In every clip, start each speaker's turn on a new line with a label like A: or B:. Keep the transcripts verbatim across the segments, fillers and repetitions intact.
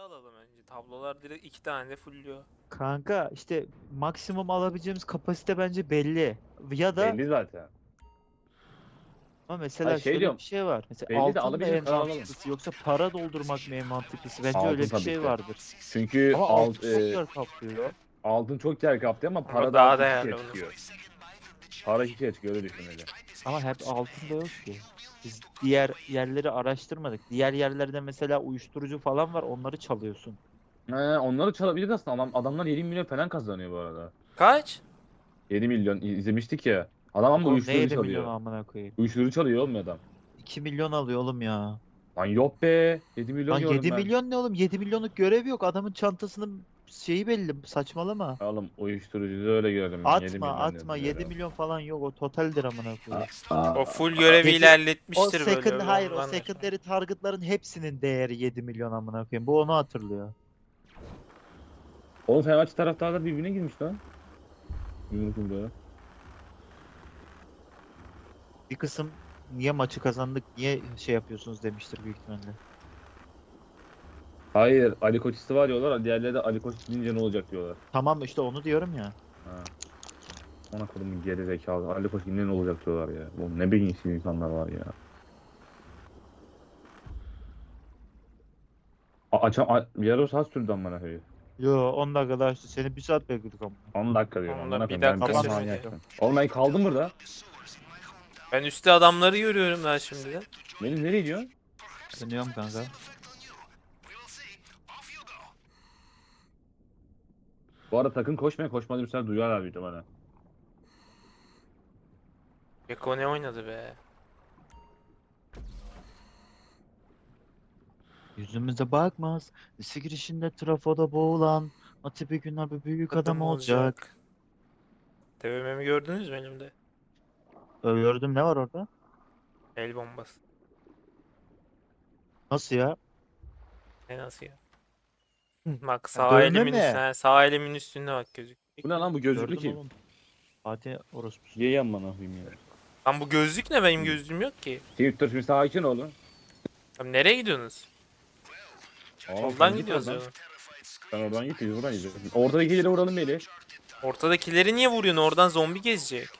A: alalım önce. Tablolar direkt iki tane de fullüyor.
B: Kanka işte maksimum alabileceğimiz kapasite bence belli. Ya da
C: Belli zaten.
B: ama
C: Ay
B: mesela
C: şey
B: şöyle
C: diyorum.
B: bir şey var. Mesela
C: Belli de
B: altın mı
C: alabildiğimiz
B: en
C: kadar alalım.
B: mantıklısı yoksa para doldurmak mı en mantıklısı? Bence öyle
C: Altın
B: bir
C: tabii
B: şey
C: ki.
B: vardır.
C: Çünkü
B: Ama
C: alt,
B: altın çok
C: e,
B: yer kaplıyor.
C: altın çok yer kaptı ama
A: Ama
C: para daha
A: daha
C: iki
A: değerli
C: kere
A: bunun.
C: çıkıyor. Para iki kere çıkıyor, öyle düşünmeli.
B: Ama hep altın da yok ki. Biz diğer yerleri araştırmadık. Diğer yerlerde mesela uyuşturucu falan var, onları çalıyorsun.
C: He, onları çalabilir aslında. Adam, adamlar yedi milyon falan kazanıyor bu arada.
A: Kaç?
C: yedi milyon izlemiştik ya. Adam ama
B: Oğlum ne
C: uyuşturucu
B: yedi milyon
C: çalıyor.
B: amına koyayım.
C: Uyuşturucu çalıyor oğlum adam.
B: iki milyon alıyor oğlum ya.
C: Lan yok be. yedi
B: Lan
C: milyon gördüm
B: yedi
C: ben.
B: milyon ne oğlum? yedi milyonluk görev yok. Adamın çantasının şeyi belli. Saçmalama.
C: Oğlum uyuşturucu öyle gördüm ben. yedi
B: Atma
C: milyon
B: atma,
C: yazıyor.
B: yedi milyon falan yok. O totaldir amına
C: Aa,
B: koyayım.
A: O
C: aa,
A: full
C: aa.
A: görevi
B: yedi o
A: ilerletmiştir böyle
B: second hayır o
A: ondan.
B: secondary target'ların hepsinin değeri yedi milyon amına koyayım. Bu onu hatırlıyor.
C: Oğlum Fenerbahçe taraftarlar birbirine girmiş lan. Yumruk yumruğa.
B: Bir kısım niye maçı kazandık, niye şey yapıyorsunuz demiştir büyük ihtimalle.
C: Hayır, Ali Koç istifa diyorlar. Diğerleri de Ali Koç gidince ne olacak diyorlar.
B: Tamam işte onu diyorum ya.
C: Ha. Ona kodumun geri zekalı. Ali Koç gidince ne olacak diyorlar ya. Oğlum ne beyinsiz insanlar var ya. A açam a yarım saat sürdü amına koyayım.
B: Yo on dakika daha işte seni bir saat bekledik ama.
C: on dakika diyorum
A: Onunla
C: amına
A: bir
C: koyayım. Ben
A: dakika
C: ben
B: sürmedi.
C: manyaksın. Oğlum ben kaldım burada.
A: Ben üstte adamları görüyorum daha şimdiden.
C: Benim nereye gidiyorsun?
B: Dönüyorum kanka.
C: Bu arada takım koşmaya koşmadı bir duyarlar büyük bana.
A: Beko ne oynadı be?
B: Yüzümüze bakmaz. Lise girişinde trafoda boğulan. Ati bir gün abi büyük adam
A: Adam
B: olacak.
A: olacak. T V M'mi gördünüz mü elimde?
B: Gördüm, ne var orada?
A: El bombası.
B: Nasıl ya?
A: Ne nasıl ya? Bak
B: Ha,
A: sağ
B: dövme
A: elimin
B: mi?
A: üstüne, sağ elimin üstünde bak gözük.
C: Bu ne lan, bu gözlüklü
B: Gördüm
C: kim?
B: oğlum. Fatih orospusu.
C: Ye yan bana koyayım ya.
A: Lan bu gözlük ne? Benim gözlüğüm yok ki.
C: Twitter şimdi sakin oğlum.
A: Abi nereye gidiyorsunuz?
C: Oğlum sen
A: Soldan
C: git
A: gidiyoruz
C: oradan.
A: ya.
C: Sen oradan git, biz buradan gidiyoruz. Ortadakileri vuralım Melih.
A: Ortadakileri niye vuruyorsun? Oradan zombi gezecek.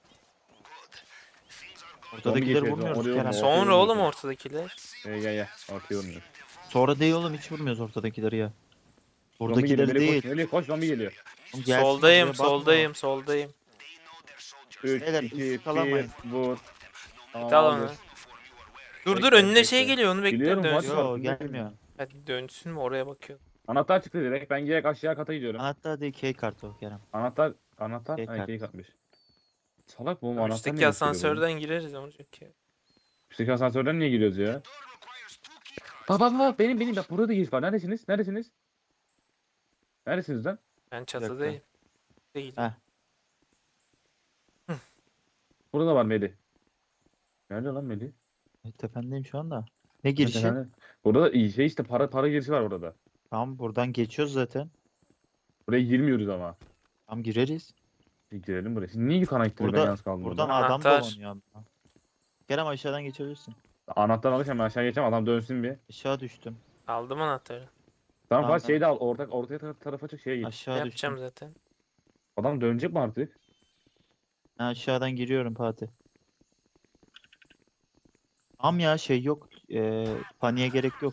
B: Ortadakileri
C: geçiyoruz,
B: vurmuyoruz
C: oraya
B: Kerem.
C: vurmuyor.
A: Sonra oğlum
C: vurmuyorsun.
A: ortadakiler.
C: Gel gel gel. Ortaya vurmuyor.
B: Sonra değil oğlum, hiç vurmuyoruz ortadakileri ya.
C: Zombi geliyor.
B: Buradakileri
C: Melih koş.
B: değil.
C: Melih koş, zombi geliyor.
B: Oğlum gelsin
A: Soldayım,
B: oraya, bakma.
A: soldayım, soldayım.
C: üç,
B: Beyler,
C: iki, bir,
B: ıskalamayın.
C: vur.
A: Git
C: Tamam
A: al
C: aldık.
A: onu. Dur dur
C: Bekle,
A: önüne şey
C: bekle.
A: geliyor onu bekle
C: Biliyorum,
A: dönsün.
C: var.
B: Yo gelmiyor.
A: Hadi dönsün mü oraya bakıyor.
C: Anahtar çıktı direkt. Ben direkt aşağı kata gidiyorum.
B: Anahtar değil, key kartı o Kerem.
C: Anahtar, anahtar.
B: Key
C: Ha,
B: kartı.
C: ikiyi katmış. Salak bu, oğlum,
A: Ya
C: anahtar ne
A: üstteki
C: gösteriyor bunun?
A: asansörden gireriz ne olacak ki?
C: Üstteki asansörden niye giriyoruz ya? Bak bak bak, benim benim bak, burada giriş var. Neredesiniz? Neredesiniz? Neredesiniz lan?
A: Ben
B: Bir dakika.
A: çatıdayım. Değil.
B: Heh.
C: Burada da var Melih. Nerede lan Melih?
B: E, Tependeyim şu anda. Ne
C: Evet,
B: girişi?
C: efendim. Burada da iyi şey işte, para para girişi var burada.
B: Tamam buradan geçiyoruz zaten.
C: Buraya girmiyoruz ama.
B: Tamam gireriz.
C: Bir girelim buraya. Siz niye yukarı gittiniz, ben
B: Burada
C: yalnız kaldım
B: buradan
C: burada.
B: adam
A: Anahtar.
B: dolanıyor ama. Kerem aşağıdan geçebilirsin.
C: Anahtar alırken ben aşağı geçeceğim, adam dönsün bir.
B: Aşağı düştüm.
A: Aldım anahtarı.
C: Tamam
B: Tamam,
C: Fatih, şeyi de al, orta, ortaya tar- tarafa çık, şeye git.
B: Aşağı
A: Yapacağım
B: düştüm.
A: zaten.
C: Adam dönecek mi artık?
B: Ha, aşağıdan giriyorum Fatih. Tamam ya şey yok. E, paniğe gerek yok.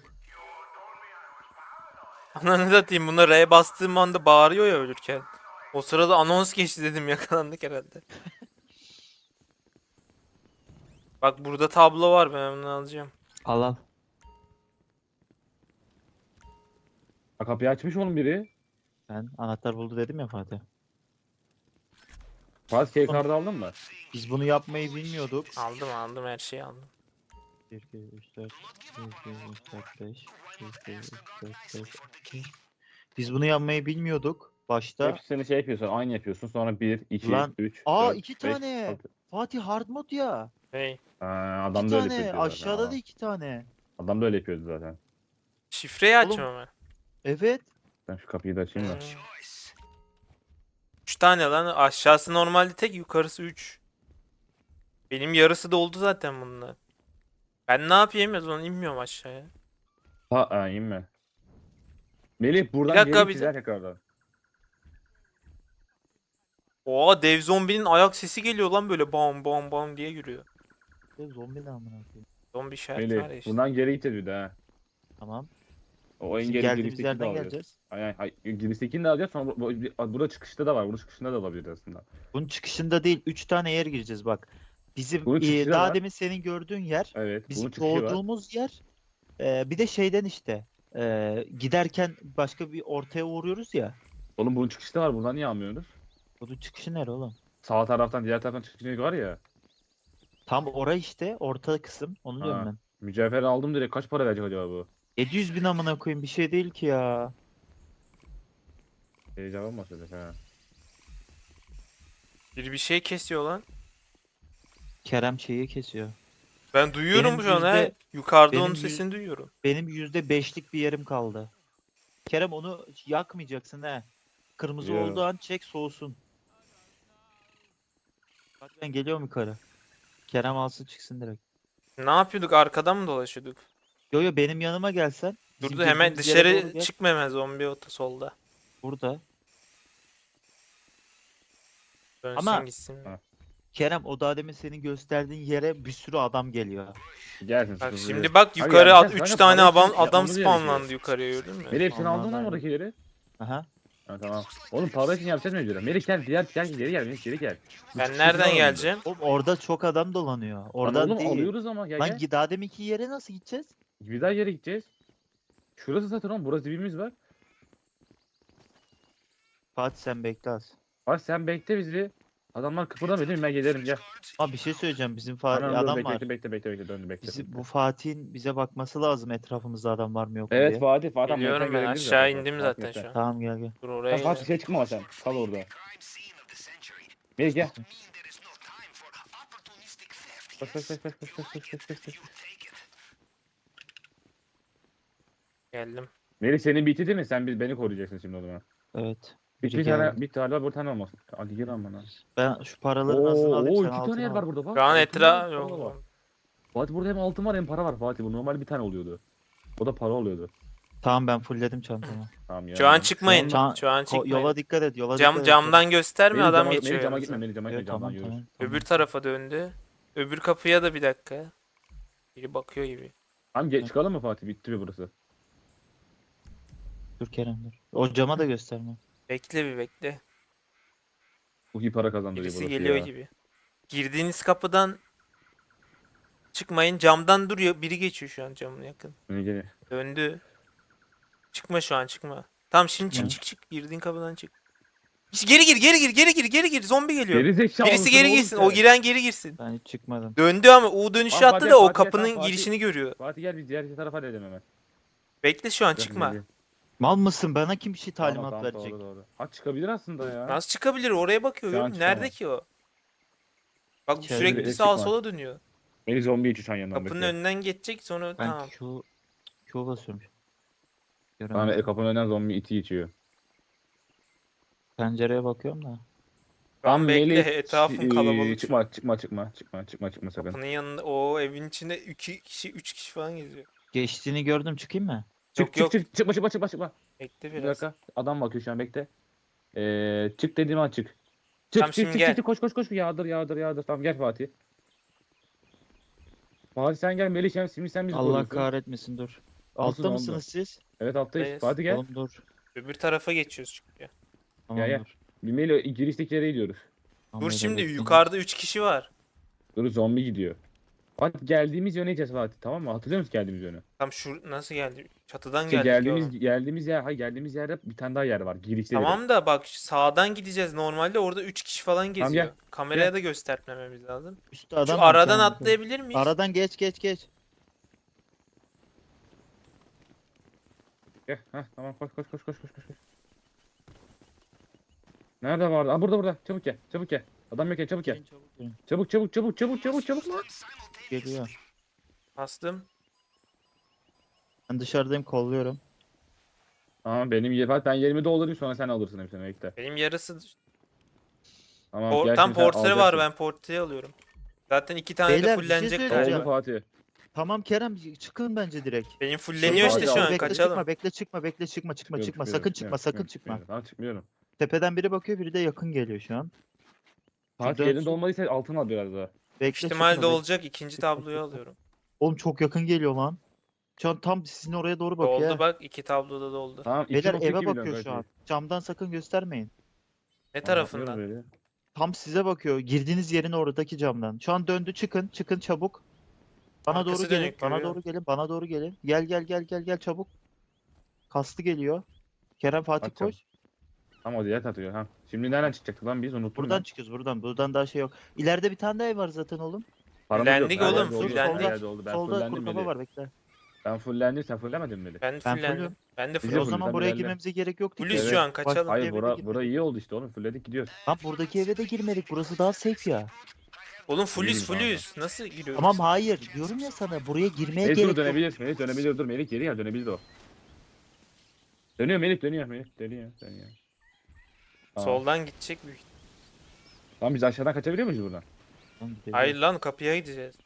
A: Ananı satayım buna R bastığım anda bağırıyor ya ölürken. O sırada anons geçti dedim yakalandık herhalde. Bak burada tablo var ben onu alacağım.
B: Al al.
C: Ha, kapıyı açmış oğlum biri.
B: Ben anahtar buldu dedim ya Fatih.
C: Fatih key
B: Oğlum.
C: kartı aldın mı?
B: Biz bunu yapmayı bilmiyorduk.
A: Aldım aldım her şeyi aldım.
B: bir, iki, üç, dört, bir, iki, üç, dört, beş, bir, iki, üç, dört, beş, altı. Biz bunu yapmayı bilmiyorduk başta.
C: Hepsini şey yapıyorsun, aynı yapıyorsun. Sonra bir, iki,
B: Lan,
C: üç,
B: aa,
C: dört,
B: iki
C: beş,
B: tane.
C: altı.
B: Fatih hard mod ya.
A: Hey.
C: Ha,
B: İki
C: adam da öyle
B: tane.
C: yapıyordu zaten.
B: Aşağıda da
C: Adam,
B: iki tane.
C: adam da öyle yapıyordu zaten.
A: Şifreyi
B: Oğlum.
A: açmam ama.
B: Evet.
C: Ben şu kapıyı da açayım da.
A: Hmm. Üç tane lan aşağısı normalde tek yukarısı üç. Benim yarısı doldu zaten bununla. Ben ne yapayım ya zaman inmiyorum aşağıya.
C: Ha, ha inme. Melih buradan
A: Bir dakika,
C: geri
A: bir
C: çizer tekrardan.
A: Oha, dev zombinin ayak sesi geliyor lan, böyle bam bam bam diye yürüyor.
B: Ya zombi ne amına koyayım.
A: Zombi işareti var
C: Melih
A: ya işte.
C: buradan geri gideceğiz bir de ha.
B: Tamam.
C: O
B: Bizim
C: engeli
B: geldiğimiz
C: giriştekini de
B: yerden
C: alacağız.
B: geleceğiz.
C: Aynen, ay, giriştekini de alacağız sonra bu- bu- burada çıkışta da var. Bunun çıkışında da olabilir aslında.
B: Bunun çıkışında değil. Üç tane yer gireceğiz bak. Bizim
C: Bunun çıkışı
B: e,
C: da
B: daha
C: var.
B: demin senin gördüğün yer.
C: Evet, bunun
B: Bizim
C: çıkışı var.
B: doğduğumuz yer. E, bir de şeyden işte. e, giderken başka bir ortaya uğruyoruz ya.
C: Oğlum bunun çıkışı da var. Buradan niye almıyorsunuz?
B: Bunun çıkışı nere oğlum?
C: Sağ taraftan diğer taraftan çıkışı var ya.
B: Tam orası işte. Orta kısım. Onu diyorum
C: Ha.
B: ben.
C: Mücevher aldım direkt. Kaç para verecek acaba bu?
B: yedi yüz bin amına koyayım. Bir şey değil ki ya.
C: Heyecan olmasaydı ha.
A: Biri bir şey kesiyor lan.
B: Kerem şeyi kesiyor.
A: Ben duyuyorum
B: Benim
A: şu an ha.
B: yüzde-
A: Yukarıda
B: benim
A: onun
B: yüz-
A: sesini duyuyorum.
B: Benim yüzde beşlik bir yerim kaldı. Kerem onu yakmayacaksın he. Kırmızı
C: Biliyorum.
B: olduğu an çek soğusun. Bak ben geliyorum yukarı. Kerem alsın çıksın direkt.
A: Ne yapıyorduk? Arkadan mı dolaşıyorduk?
B: Yo yo benim yanıma gelsen. bizim
A: Durdu, hemen
B: girdiğimiz yere doğru
A: dışarı
B: gel.
A: çıkma, hemen zombi otu solda.
B: Burada.
A: Dönsün
B: Ama-
A: gitsin.
C: Ha.
B: Kerem o daha demin senin gösterdiğin yere bir sürü adam geliyor.
C: Gelsin.
A: Bak
C: sıkıntı
A: şimdi
C: değil.
A: bak,
C: Hayır
A: yukarı
C: ya,
A: at,
C: sen
A: üç
C: kanka
A: tane
C: para
A: adam,
C: için
A: adam
C: yapmamız gerekiyor.
A: spawnlandı yukarıya, gördün mü?
C: Melih hepsini
B: Aman
C: aldın lan
B: Allah'ım.
C: oradakileri.
B: Aha.
C: Ha tamam. Oğlum para için yapacağız mecburen. Melih gel diğer gel geri gel Melih geri gel. Bu
A: Ben
C: çıkışı
A: nereden
C: alalım
A: geleceğim?
B: Oğlum orada çok adam dolanıyor.
C: Lan
B: Oradan
C: oğlum
B: değil.
C: alıyoruz ama gel
B: Lan
C: gel.
B: gi- daha deminki yere nasıl gideceğiz?
C: Bir daha yere gideceğiz. Şurası zaten oğlum, burası dibimiz var.
B: Fatih sen bekle az.
C: Bak sen bekle bizi. Adamlar kıpırdamıyor değil mi? Ben gelirim gel.
B: Ama bir şey söyleyeceğim. Bizim Fa-
C: Anam dur,
B: adam
C: bekle,
B: var.
C: bekle bekle bekle bekle döndü bekle.
B: Bizi,
C: bekle.
B: bu Fatih'in bize bakması lazım etrafımızda adam var mı yok mu
C: Evet
B: diye.
C: Fatih Fatih.
A: Geliyorum
C: Metan
A: ben,
C: görebiliriz
A: aşağı
C: zaten.
A: indim
C: Fatih,
A: zaten
C: Metan.
A: şu an.
B: Tamam gel gel.
A: Dur
C: Sen
A: oraya
C: Fatih
A: gel.
C: şey çıkma ama sen. Kal orada. Melih gel. Koş koş koş koş koş koş koş koş koş koş.
A: Geldim.
C: Melih senin bitti değil mi? Sen biz beni koruyacaksın şimdi o zaman.
B: Evet.
C: Bir,
B: Biri
C: bir tane
B: geldi.
C: bir tane bir tane olmasın. Hadi gir lan bana.
B: Ben şu paraların azını
C: Oo,
B: alayım
C: oo
B: sen
C: iki
B: altını
C: tane yer
B: al.
C: var burada bak.
A: Şu an
C: Altın
A: etra
C: var, para var.
A: yok.
C: Fatih burada hem altın var hem para var Fatih. Bu normal bir tane oluyordu. O da para oluyordu.
B: Tamam ben fullledim çantamı.
C: Tamam ya.
A: Şu an çıkmayın.
B: Şu an-
A: Şu an
B: Ko-
A: çıkmayın.
B: yola dikkat et yola
A: Cam
B: dikkat et.
A: camdan gösterme,
C: Melih
A: adam
C: cama,
A: geçiyor
C: Melih cama
A: yanımıza.
C: gitme Melih cama
B: Evet,
C: gitme camdan
B: tamam,
C: yürüyoruz.
B: tamam, tamam.
A: Öbür tarafa döndü. Öbür kapıya da bir dakika. Biri bakıyor gibi.
C: Tamam geç çıkalım mı Fatih? Bitti mi burası?
B: Dur Kerem dur. O cama da gösterme.
A: Bekle bir bekle.
C: Bu iyi para kazandırıyor
A: Birisi
C: burası
A: geliyor
C: ya.
A: gibi. Girdiğiniz kapıdan çıkmayın. Camdan duruyor. Biri geçiyor şu an camın yakın.
C: Melih gel.
A: Döndü. Çıkma şu an, çıkma. Tamam şimdi çık
B: Hı.
A: çık çık. Girdiğin kapıdan çık. Geri gir geri gir geri gir geri gir. Zombi geliyor.
C: Geri zekalı
A: Birisi
C: mısın
A: geri
C: oğlum
A: girsin.
C: sen?
A: O giren geri girsin.
B: Ben hiç çıkmadım.
A: Döndü ama U dönüşü
C: Tamam,
A: attı
C: Fatih,
A: da o
C: Fatih,
A: kapının
C: tamam, Fatih.
A: girişini görüyor.
C: Fatih gel biz diğer tarafa da edelim hemen.
A: Bekle şu an,
C: Gel,
A: çıkma.
C: Melih.
B: Mal mısın? Bana kim bir şey
C: Tamam,
B: talimat
C: tamam,
B: verecek?
C: Doğru, doğru. Ha çıkabilir aslında ya.
A: Nasıl çıkabilir? Oraya bakıyor.
C: Şu an
A: Yok. Nerede
C: çıkamaz.
A: ki o? Bak
B: İçeride
A: sürekli
C: direkt
A: sağa
C: çıkma.
A: sola dönüyor.
C: Melih zombi içi şu an yanından
A: Kapının
C: bekliyor.
A: önünden geçecek sonra
B: Ben
A: tamam.
B: Q, Q basıyorum.
C: Tamam e,
B: Göremedim.
C: kapının önünden zombi iti içiyor.
B: Pencereye bakıyorum da.
A: Tamam bekle,
C: Melih,
A: etrafın
C: e,
A: kalabalık.
C: Çıkma çıkma çıkma çıkma çıkma çıkma sakın.
A: Kapının yanında o evin içinde iki kişi üç kişi falan geziyor.
B: Geçtiğini gördüm çıkayım mı?
C: Çık
A: Yok,
C: çık
A: yok.
C: çık çıkma çıkma çıkma çıkma.
A: Bekle
C: Bir
A: biraz.
C: dakika. Adam bakıyor şu an bekle. Ee, çık dediğim an çık. Çık
A: Tamam,
C: çık
A: şimdi
C: çık,
A: gel.
C: çık koş koş koş yağdır yağdır yağdır. Tamam gel Fatih. Fatih sen gel Melih sen şimdi sen bizi
B: Allah
C: koruyorsun.
B: kahretmesin dur.
C: Olsun,
B: Altta
C: oldu.
B: mısınız siz?
C: Evet alttayız.
A: Buradayız.
C: Fatih gel.
B: Oğlum dur.
A: Öbür tarafa geçiyoruz çünkü.
B: Tamam
C: gel.
B: dur.
C: Bir Melih girişteki yere gidiyoruz.
B: Tamam,
A: Dur
B: öyle
A: şimdi,
B: bekleyin.
A: yukarıda üç kişi var.
C: Dur zombi gidiyor. Fatih geldiğimiz yöne gideceğiz Fatih tamam mı? Hatırlıyor musun geldiğimiz yönü?
A: Tam şu nasıl geldi? Çatıdan
C: İşte
A: geldik
C: geldiğimiz
A: ya.
C: geldiğimiz yer hayır geldiğimiz yerde bir tane daha yer var. Girişte biri.
A: Tamam da bak, sağdan gideceğiz. Normalde orada üç kişi falan geziyor.
C: gel.
A: Kameraya
C: Gel.
A: da göstermememiz lazım.
B: Üstte adam
A: Şu
B: var,
A: aradan
B: tamam.
A: atlayabilir miyiz?
B: Aradan geç geç geç.
C: Gel. Heh, tamam koş koş koş koş koş koş. koş. Nerede vardı? Aa burada burada. Çabuk gel. Çabuk gel. Adam yok ya çabuk gel.
B: Gelin, çabuk gelin.
C: Çabuk çabuk çabuk çabuk çabuk çabuk lan.
B: Geliyor.
A: Bastım.
B: Ben dışarıdayım kolluyorum.
C: Tamam benim yer ben yerimi doldurayım sonra sen alırsın hepsini bekle.
A: Benim yarısı...
C: Tamam
A: Por-
C: gel
A: tam
C: şimdi sen
A: portre var,
C: alacaksın.
A: ben portreyi alıyorum. Zaten iki tane de
B: Beyler, bir şey
A: fullenecek
B: söyleyeceğim.
A: galiba.
C: Oldu Fatih.
B: Tamam Kerem çıkın bence direkt.
A: Benim
B: Şey
A: fulleniyor işte
B: bekle,
A: şu an
B: bekle,
A: kaçalım.
B: Çıkma bekle çıkma bekle çıkma çıkma
C: Çıkıyorum,
B: çıkma
C: çıkıyorum,
B: sakın
C: çıkıyorum,
B: çıkma sakın
C: çıkıyorum,
B: çıkma.
C: çıkıyorum. Tamam çıkmıyorum.
B: Tepeden biri bakıyor biri de yakın geliyor şu an.
C: Saat
B: dönsün.
C: yerinde olmadıysa altın al biraz daha.
B: Bekle
A: İhtimal
B: çıkma
A: de
B: bekle.
A: olacak. İkinci
B: çıkma,
A: tabloyu
B: çıkma.
A: alıyorum.
B: Oğlum çok yakın geliyor lan. Şu an tam sizin oraya doğru bakıyor.
A: Doldu
B: ha.
A: bak. iki tabloda doldu.
C: Tamam
B: Beyler eve
C: iki nokta iki milyon
B: bakıyor şu
C: kanki.
B: an. Camdan sakın göstermeyin.
A: Ne
C: Tamam, bakmıyorum
A: tarafından?
C: böyle.
B: Tam size bakıyor. Girdiğiniz yerin oradaki camdan. Şu an döndü çıkın. Çıkın çabuk. Bana
A: Arkası
B: doğru gelin.
A: dönük,
B: Bana
A: görüyorum.
B: doğru gelin. Bana doğru gelin. Gel gel gel gel gel çabuk. Kastı geliyor. Kerem Fatih
C: Atacağım.
B: koş.
C: Tamam o diğer atıyor. Ha. Şimdi nereden çıkacaktık lan biz unuttum
B: Buradan
C: ben.
B: çıkıyoruz buradan. Buradan daha şey yok. İleride bir tane daha ev var zaten oğlum.
C: Paramız yok.
A: Fullendik
C: Her
A: oğlum,
C: yerde oldu,
A: fullendik.
C: Her yerde oldu. Ben
B: Solda
C: fullendim
B: kuru kafa
C: Melih.
B: var bekle.
C: Ben fullendim sen fullemedin mi Melih?
A: Ben
B: Ben
A: fullendim.
B: fullüm.
A: Ben de
C: Bizi
B: E
A: full.
B: o
C: full,
B: zaman
C: sen
B: buraya
C: ilerle.
B: girmemize gerek yoktu ki.
A: Fullüz
C: Evet.
A: şu an
B: Baş-
A: kaçalım.
C: Hayır
B: eve de
C: bura,
B: girmedik.
C: bura iyi oldu işte oğlum fulledik gidiyoruz.
B: Lan buradaki eve de girmedik. Burası daha safe ya.
A: Oğlum fullüz
C: İyiyim kanka.
A: fullüz. Nasıl giriyoruz?
B: Tamam hayır. Diyorum ya sana buraya girmeye
C: Melih dur
B: gerek yok.
C: dönebilir. Melih dönebilir dur. Melih geri gel dönebilir o. Dönüyor Melih dönüyor Melih dönüyor dönüyor. Tamam.
A: Soldan gidecek büyük.
C: Tamam biz aşağıdan kaçabiliyor muyuz buradan?
B: Lan gidelim.
A: Hayır lan kapıya gideceğiz.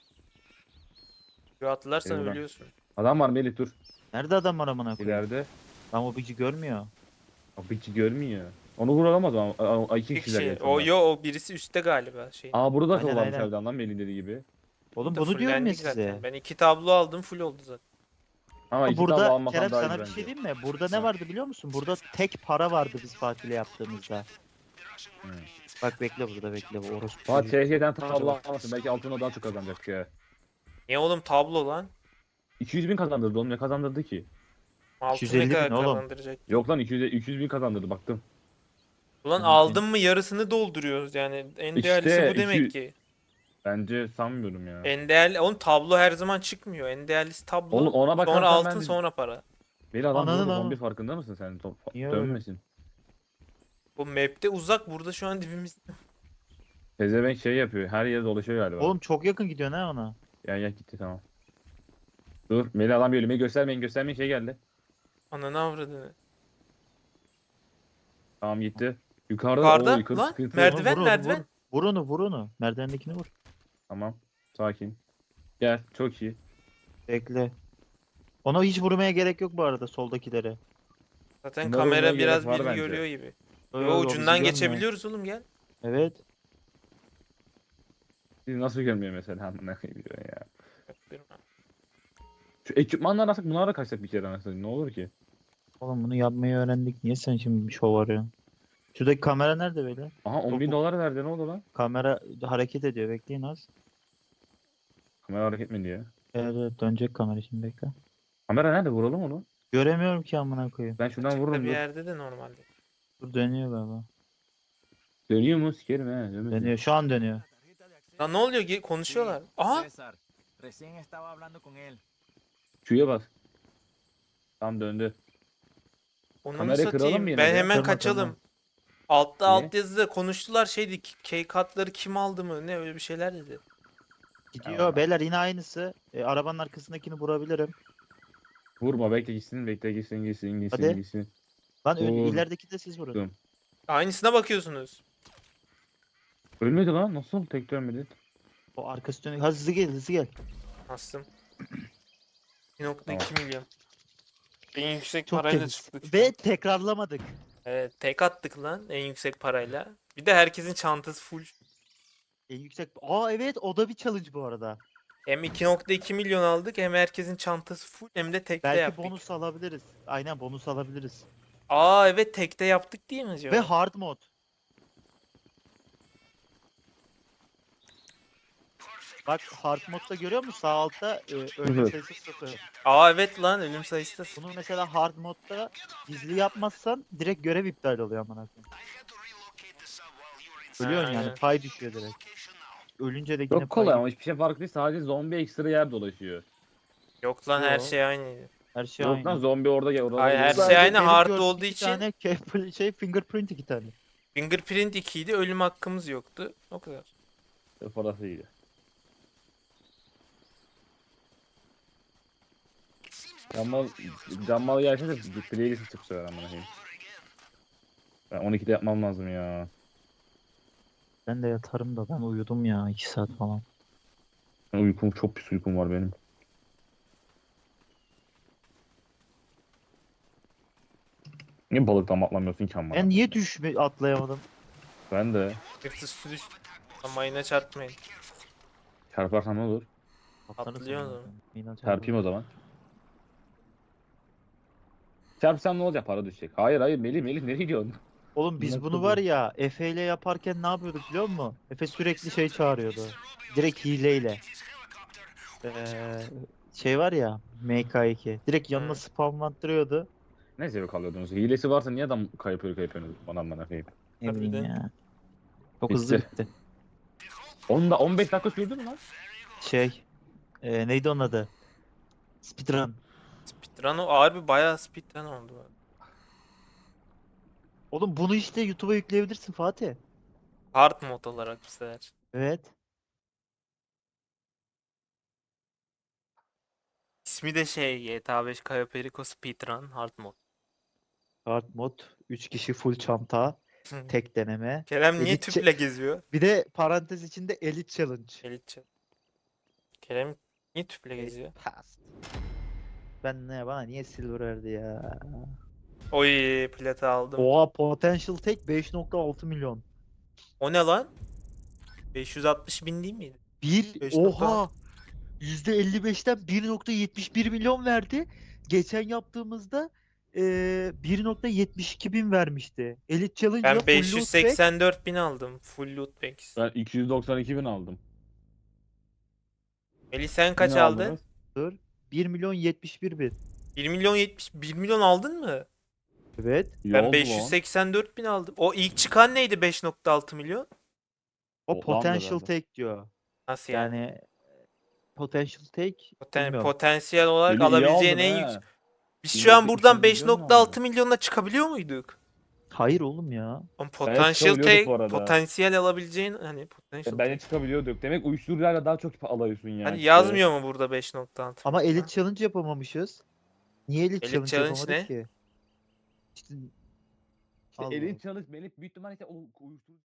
A: Şu atlarsan
C: Eyvallah.
A: ölüyorsun.
C: Adam var Melih dur.
B: Nerede adam var amına koyayım?
C: İleride.
B: Lan o bici görmüyor.
C: Abi hiç görmüyor. Onu vuramaz ama. Aa, iki
A: Bir
C: kişiler
A: kişi.
C: gerçi
A: O
C: onlar.
A: yo o birisi üstte galiba şey.
C: Aa burada da
B: Aynen,
C: varmış
B: aynen.
C: evden lan Melih'in dediği gibi.
B: Oğlum
A: Da
B: bunu diyorum ya
A: fullendik
B: size.
A: zaten. Ben iki tablo aldım full oldu zaten.
C: Ama
B: Ama
C: iki tablo
B: burada
C: almasam
B: Kerem
C: daha iyi
B: sana bir
C: bence.
B: şey diyeyim mi? Burada
C: Ha.
B: ne vardı biliyor musun? Burada tek para vardı biz Fatih'le yaptığımızda.
C: Hı.
B: Bak bekle burada bekle. Bu orospu.
C: Fatih
B: çocuğu.
C: T Ş'den tablo almasın. Belki altına daha çok kazanacak ya.
A: Niye oğlum tablo lan?
C: iki yüz bin kazandırdı oğlum ne kazandırdı ki?
A: Altın
B: iki yüz elli
A: ne kadar
B: bin oğlum.
A: kazandıracak?
C: Yok lan iki yüz, iki yüz bin kazandırdı baktım.
A: Ulan
B: Hı,
A: aldın mı yarısını dolduruyoruz yani. En
C: İşte
A: değerlisi bu
C: iki-
A: demek ki.
C: Bence sanmıyorum ya.
A: En değerli, oğlum tablo her zaman çıkmıyor. En değerlisi tablo.
C: Oğlum ona bakarsan
A: sonra altın
C: ben de-
A: sonra para.
C: Beni adam
B: Ananın
C: vurdu
B: ama.
C: zombi farkında mısın sen? Top-
B: Niye öyle?
C: Dönmesin.
A: Bu map'te uzak, burada şu an dibimizde.
C: Pezevenk şey yapıyor. Her yere dolaşıyor galiba.
B: Oğlum çok yakın gidiyor ne ona?
C: Gel gel gitti tamam. Dur Melih adam geliyor. Melih göstermeyin göstermeyin şey geldi.
A: Ananı avradını.
C: Tamam gitti. Yukarıda,
A: Yukarıda
C: oo, yukarı
A: lan,
C: sıkıntı.
A: merdiven.
B: Vur onu,
A: merdiven.
B: Vur. Vur onu vur onu. Merdivendekini vur.
C: Tamam. Sakin. Gel. Çok iyi.
B: Bekle. Ona hiç vurmaya gerek yok bu arada soldakilere.
A: Zaten
C: Bunları
A: kamera
C: vurmaya
A: biraz
C: gerek var
A: birini
C: bence.
A: görüyor gibi.
B: Yo,
A: Yo,
B: yo, bizi
A: ucundan
B: görmüyor.
A: geçebiliyoruz oğlum, gel.
B: Evet.
C: Siz nasıl görmüyor mesela? Amına koyayım diyor ya.
A: Bak, görme.
C: Şu ekipmanlar alsak bunlara da kaçsak bir kere anasını. Ne olur ki?
B: Oğlum bunu yapmayı öğrendik. Niye sen şimdi bir şov arıyorsun? Şuradaki kamera nerede böyle?
C: Aha on bin
B: Topu-
C: dolar verdi ne oldu lan?
B: Kamera hareket ediyor. Bekleyin az.
C: Kamera hareket mi diyor?
B: Evet, evet dönecek kamera şimdi bekle.
C: Kamera nerede? Vuralım onu.
B: Göremiyorum ki amına koyayım.
C: Ben şuradan
A: Açıkta
C: vururum
A: bir
C: dur.
A: yerde de normalde.
B: Dur dönüyor galiba.
C: Dönüyor mu? Sikerim he. Dönmez.
B: Dönüyor. Şu an dönüyor.
A: Lan ne oluyor? Ge- Konuşuyorlar. Aha!
D: César, recién estaba hablando con él.
C: Q'ya bas. Tam döndü.
A: Onu mu
C: Kamerayı kıralım
A: satayım?
C: mı yine
A: Ben
C: de?
A: hemen
B: Kırma,
A: kaçalım.
B: kırma.
A: Altta
C: Niye?
A: alt yazıda konuştular, şeydi, K-Cut'ları kim aldı mı? Ne öyle bir şeyler dedi.
B: Gidiyor.
C: Tamam.
B: Beyler yine aynısı. E, arabanın arkasındakini vurabilirim.
C: Vurma bekle gitsin bekle gitsin gitsin gitsin
B: Hadi.
C: gitsin.
B: Lan ön-
C: Vur.
B: ilerideki de siz vurun.
C: Dur.
A: Aynısına bakıyorsunuz.
C: Ölmedi lan nasıl tek dönmedi?
B: O arkası dönüyor. Ha, hızlı gel hızlı gel.
A: Astım. bir nokta iki milyon. En yüksek
B: Çok
A: parayla
B: temiz.
A: çıktık. şu
B: Ve
A: an.
B: tekrarlamadık.
A: Evet, tek attık lan en yüksek parayla. Bir de herkesin çantası full.
B: En yüksek. Aa evet o da bir challenge bu arada.
A: Hem iki nokta iki milyon aldık, hem herkesin çantası full, hem de tekte
B: Belki
A: yaptık.
B: bonus alabiliriz. Aynen bonus alabiliriz.
A: Aa evet, tekte yaptık değil mi acaba?
B: Ve hard mod. Bak hard modda görüyor musun? Sağ altta e, ölüm
C: Hı.
B: sayısı sıfır.
A: Aa evet lan, ölüm sayısı da sıfır.
B: Bunu mesela hard modda gizli yapmazsan direkt görev iptal oluyor amına koyayım. Ölüyorsun yani
A: Aynen.
B: pay düşüyor direkt. Ölünce de yine
C: Çok kolay
B: pay
C: ama hiçbir şey farklı değil sadece zombi ekstra yer dolaşıyor.
A: Yok lan, her
B: Yo.
A: şey aynıydı.
B: her şey
C: Yok
B: aynı.
C: lan zombi orada gel orada.
A: Hayır, her
C: geliyor.
A: şey aynı,
B: benim
A: hard
B: gördüğüm
A: olduğu
B: iki
A: için-
B: tane ke- şey fingerprint iki tane.
A: Fingerprint ikiydi, ölüm hakkımız yoktu. O kadar.
C: Parası iyiydi. Cammal, cammal gelse de playlist çıksa ver amına koyayım. Ben on ikide yapmam lazım ya.
B: Ben de yatarım da ben uyudum ya iki saat falan.
C: Uykum çok pis uykum var benim. Niye balıktan atlamıyorsun ki amma?
B: Ben niye düşme atlayamadım?
C: Ben de.
A: Yırtısı düş. Ama yine çarpmayın.
C: Çarparsam ne olur?
B: Atlanırsın
A: Atlıyor
B: zaten.
A: adam.
B: İnan
C: Çarpayım o zaman. Çarpsam ne olacak? Para düşecek. Hayır hayır Melih Melih nereye gidiyorsun?
B: Oğlum biz
C: Nasıl
B: bunu
C: bu?
B: var ya Efe ile yaparken ne yapıyorduk biliyor musun? Efe sürekli şey çağırıyordu. Direkt hileyle. Ee, şey var ya M K iki. Direkt yanına
A: Hı.
B: spamlattırıyordu.
C: Ne zevk alıyordunuz? Hilesi varsa niye adam kayıp kayıpıyorsunuz? Bana bana kayıp.
B: Ne bileyim
A: Harbiden.
B: ya. Çok hızlı
C: Bitti.
B: bitti.
C: Onu da on beş dakika sürdü mü lan?
B: Şey. ee, neydi onun adı? Speedrun.
A: Speedrun o harbi bayağı speedrun oldu.
B: Oğlum bunu işte YouTube'a yükleyebilirsin Fatih.
A: Hard mod olarak bu sefer.
B: Evet.
A: İsmi de şey G T A beş Cayo Perico Speedrun Hard mod.
B: Hard mod. üç kişi full çanta. Tek deneme.
A: Kerem niye
B: Elite-
A: tüple geziyor?
B: Bir de parantez içinde Elite Challenge.
A: Elitçi. Kerem niye tüple geziyor?
B: Past. Ben ne bana niye silver verdi ya?
A: Oy plata aldım.
B: Oha potential tek beş nokta altı milyon.
A: O ne lan? beş yüz altmış bin değil miydi?
B: Bir
A: beş nokta
B: oha yüzde elli beşten bir nokta yetmiş bir milyon verdi. Geçen yaptığımızda eee bir nokta yetmiş iki bin vermişti. Elite Challenge'da
A: Ben
B: full
A: beş yüz
B: loot pack
A: seksen dört bin aldım. Full loot packs.
C: Ben iki yüz doksan iki bin aldım.
A: Melih sen
C: Siz
A: kaç
C: ne
A: aldın?
C: aldınız?
B: bir milyon yetmiş bir bin.
A: bir milyon yetmiş bir milyon aldın mı?
B: Evet.
C: İyi
A: Ben
C: oldu
A: beş yüz
C: lan.
A: seksen dört bin aldım. O ilk çıkan neydi beş nokta altı milyon?
B: O
C: Toplamdır
B: potential
C: herhalde.
B: take diyor.
A: Nasıl yani?
B: Yani potential take
A: Poten-
B: bilmiyorum.
A: potansiyel olarak
C: Melih iyi
A: alabileceğin
C: aldın
A: en
C: he.
A: yüksek. Biz
C: Bir
A: şu an
C: nokta
A: buradan
C: iki
A: beş
C: milyon mu
A: nokta altı
C: aldın?
A: milyonla çıkabiliyor muyduk?
B: Hayır oğlum ya.
A: Ama potansiyel
C: çıkabiliyorduk bu
A: take,
C: arada.
A: potansiyel alabileceğin hani potansiyel
C: Bence
A: take.
C: çıkabiliyorduk. Demek uyuşturucularla daha çok alıyorsun yani.
A: Hani
C: işte.
A: yazmıyor mu burada beş nokta altı?
B: Ama Elite Challenge yapamamışız. Niye Elite,
A: Elite
B: Challenge,
A: Challenge
B: yapamadık
A: ne?
B: ki? İşte
C: İşte
B: Allah
C: elin
B: Allah.
C: çalış Melih büyük ihtimalle işte o uyuşturucu